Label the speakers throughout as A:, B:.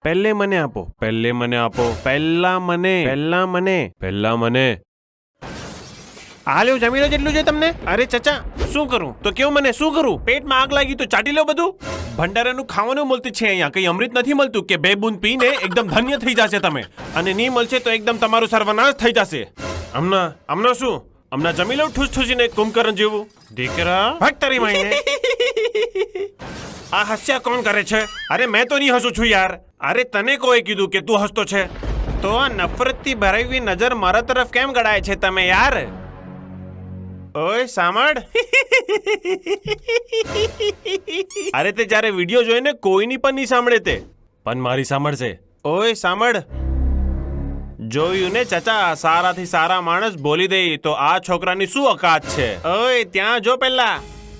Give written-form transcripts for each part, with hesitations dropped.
A: પહેલે મને આપો, પહેલે મને આપો, પહેલા મને. આ લ્યો, જમી લો જેટલું છે તમને. અરે ચચા, શું કરું તો કેવું, મને શું કરું? પેટમાં આગ લાગી તો ચાટી લો બધું. ભંડારાનું ખાવાનું મળતું છે અહીંયા, કઈ અમૃત નથી મળતું કે 2 બૂંદ પીને એકદમ ધન્ય થઈ જશે તમે, અને નહીં મળશે તો એકદમ તમારું સર્વનાશ થઈ જશે. હમણાં શું, હમણાં જમી લો ઠૂસ ઠૂસીને કુંભકર્ણ જેવું. દીકરા ભાગ તારી માઈને. આ હાસ્યા કોણ કરે છે? અરે મેં તો નહીં હસું છું યાર. અરે તને કોઈ કીધું કે તું હસતો છે? તો આ નફરતથી ભરાવી નજર મારા તરફ કેમ ગળાય છે તમે યાર? ઓય સાંભળ. અરે તે જ્યારે વિડીયો જોઈને કોઈની પણ નહીં સાંભળે તે, પણ મારી સાંભળશે. ઓય સાંભળ, જોયું ને ચચા, સારાથી સારા માણસ બોલી દે તો આ છોકરાની શું ઓકાત છે? ઓય ત્યાં જો પહેલા.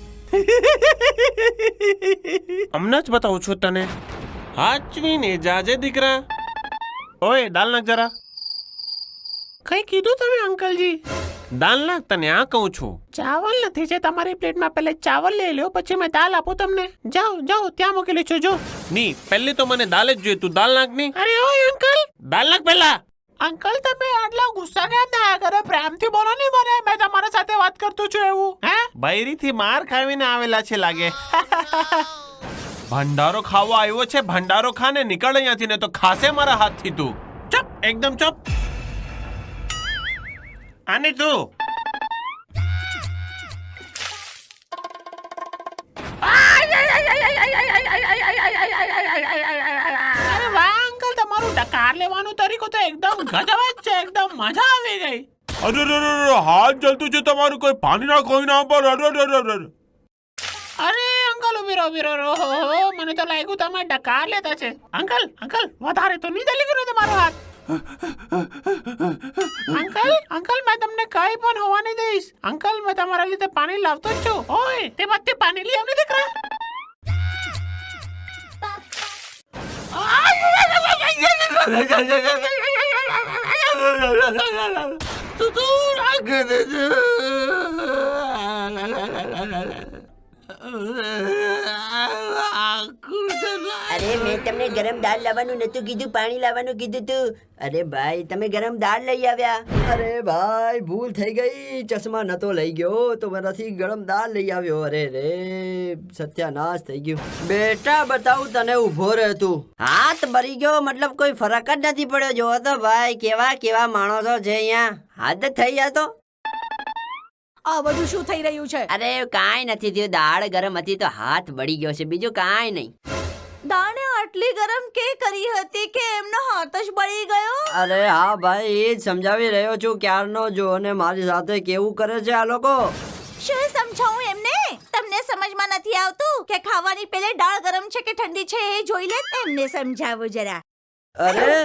A: હમણાં જ બતાવું છું તને. હાચવીને જાજે દીકરા. ઓય દાલ નાખ જરા. કઈ કીધું તમે અંકલજી? દાલ નાખ, તને આ કહું છું. ચાવલ નથી છે તમારી પ્લેટમાં, પહેલે ચાવલ લઈ લો પછી મેં દાલ આપું તમને. જાઓ જાઓ, ત્યાં મૂકેલી છે જો. ની પહેલે તો મને દાલ જ જોઈએ, તું દાલ નાખ ની. અરે ઓય અંકલ, દાલ નાખ પહેલા. અંકલ તમે આટલા ગુસ્સા કેમ થયા કરો? પ્રેમથી બોલો ને મને, મેં તમારા સાથે વાત કરતો છું એવું. હે, બૈરીથી માર ખાવીને આવેલા છે લાગે. ભંડારો ખાવા આવ્યો છે, ભંડારો ખાને નીકળ અહીંયાથી, ને તો ખાશે મારા હાથથી તું. ચપ, એકદમ ચપ. આને તું અરે વાહ અંકલ, તમારું ડકાર લેવાનો તરીકો તો એકદમ ગજબ જ છે, એકદમ મજા આવી ગઈ. અરે હાથ જલતું છે તમારું, કોઈ પાણી ના કોઈ ના પર. અરે અંકલ ઉભી રહો. મને તો લાગ્યું તમે ડકાર લેતા છે. અંકલ વધારે તો નહીં જલી ગયો તમારો હાથ. અંકલ મેં તમને કઈ પણ હોવા નહીં દઈશ. અંકલ મેં તમારા લીધે પાણી લાવતો જ છું. ઓય તે બધે પાણી લઈ આવને દીકરા.
B: અરે મેં તમને ગરમ દાળ લાવવાનું નતું કીધું, પાણી લાવવાનું કીધું તું. અરે ભાઈ તમે ગરમ દાળ લઈ આવ્યા.
C: અરે ભાઈ ભૂલ થઈ ગઈ, ચશ્મા નતો લઈ ગયો તો મારાથી ગરમ દાળ લઈ આવ્યો. અરે રે સત્યાનાશ થઈ ગયું. બેટા બતાવું તને, ઊભો રહે તું.
B: હાથ બળી ગયો મતલબ કોઈ ફરક જ નથી પડ્યો. જોવો તો ભાઈ કેવા માણસો છે અહીંયા. હાથ થઈ ગયા તો.
D: આ બધું શું થઈ રહ્યું છે?
B: અરે કાંઈ નથી થયું, દાળ ગરમ હતી તો હાથ બળી ગયો છે, બીજું કાંઈ નહીં.
D: દાળને આટલી ગરમ કે કરી હતી કે એમનો હાથ જ બળી ગયો?
C: અરે હા ભાઈ, એ જ સમજાવી રહ્યો છું ક્યારનો. જો અને મારી સાથે કેવું કરે છે આ લોકો.
D: શું સમજાવું એમને? તમને સમજમાં નથી આવતું કે ખાવાની પહેલે દાળ ગરમ છે કે ઠંડી છે એ જોઈ લે. એમને સમજાવો જરા.
C: અરે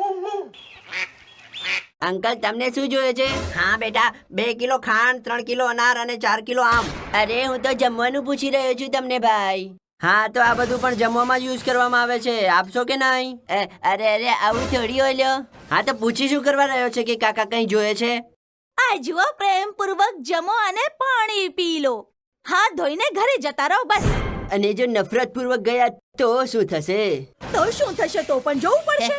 B: અંકલ તમને શું જોઈએ છે? હા બેટા, 2 કિલો ખાંડ, 3 કિલો અનાર અને 4 કિલો આમ. અરે હું તો જમવાનું પૂછી રહ્યો છું તમને ભાઈ.
C: હા તો આ બધું પણ જમવામાં યુઝ કરવામાં આવે છે, આપશો કે નહીં?
B: અરે આવું થોડી હોય લ્યો.
C: હા તો પૂછી શું કરવા રહ્યો છે કે કાકા કઈ જોઈએ છે?
D: આ જુઓ, પ્રેમપૂર્વક જમો અને પાણી પી લો. હાથ ધોઈને ઘરે જતા રહો બસ.
C: અને જો નફરત પૂર્વક ગયા તો શું થશે?
D: તો શું થશે તો પણ જોવું પડશે.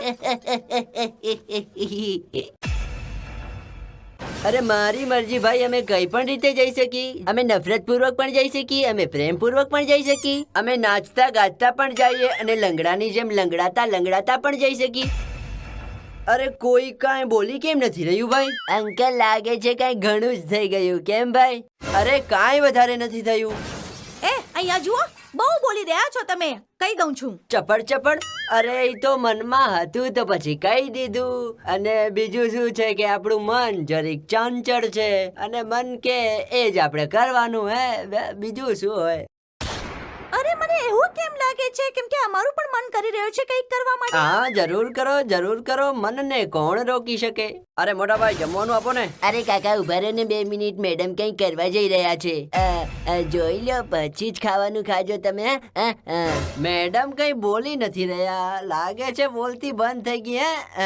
C: અરે મારી મરજી ભાઈ, અમે કઈ પણ રીતે જઈ શકી. અમે નફરત પૂર્વક પણ જઈ શકી, અમે પ્રેમ પૂર્વક પણ જઈ શકી, અમે નાચતા ગાતા પણ જઈએ અને લંગડાની જેમ લંગડાતા પણ જઈ શકી. અરે કોઈ કાંઈ બોલી કેમ નથી રહ્યું ભાઈ?
B: અંકલ લાગે છે કઈ ઘણું જ થઈ ગયું, કેમ ભાઈ?
C: અરે કાંઈ વધારે નથી થયું.
D: અહીંયા જુઓ, બહુ બોલી રહ્યા છો તમે. કઈ દઉં છું.
C: ચપડ. અરે એ તો મનમાં હતું તો પછી કહી દીધું. અને બીજું શું છે કે આપણું મન જરીક ચંચળ છે, અને મન કે એ જ આપણે કરવાનું. બીજું શું હોય?
D: અરે મને એવું કેમ લાગે છે કેમ કે અમારું પણ મન કરી રહ્યું છે કંઈક કરવા માટે.
C: હા જરૂર કરો, મનને કોણ રોકી શકે? અરે મોટા ભાઈ જમવાનું આપો ને.
B: અરે કાકા ઉભા રહો ને 2 મિનિટ, મેડમ કંઈક કરવા જઈ રહ્યા છે. જોઈ લો પછી જ ખાવાનું ખાજો તમે.
C: મેડમ કઈ બોલી નથી રહ્યા, લાગે છે બોલતી બંધ થઈ ગઈ.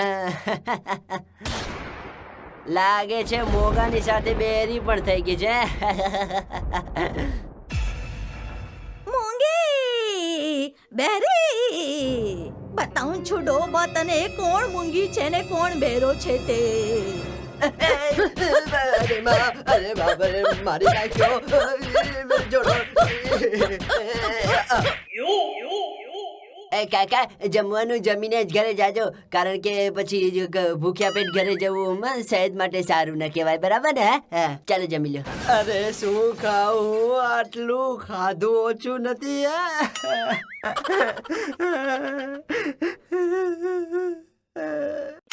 C: લાગે છે મોગાની સાથે બેરી પણ થઈ ગઈ છે.
D: મૂંગી બેરી બતાવું છું ડોબા તને કોણ મૂંગી છે ને કોણ બેરો છે તે
C: અરે બાપ રે, મારી નાખ્યો જોડો. કાકા, જમવાનું જમીને જ ઘરે જાજો, કારણ કે પછી ભૂખ્યા પેટ ઘરે જવું સેહત માટે સારું ન કહેવાય, બરાબર ને? હા, ચાલો જમી લો. અરે શું ખાવું, આટલું ખાધું ઓછું નથી.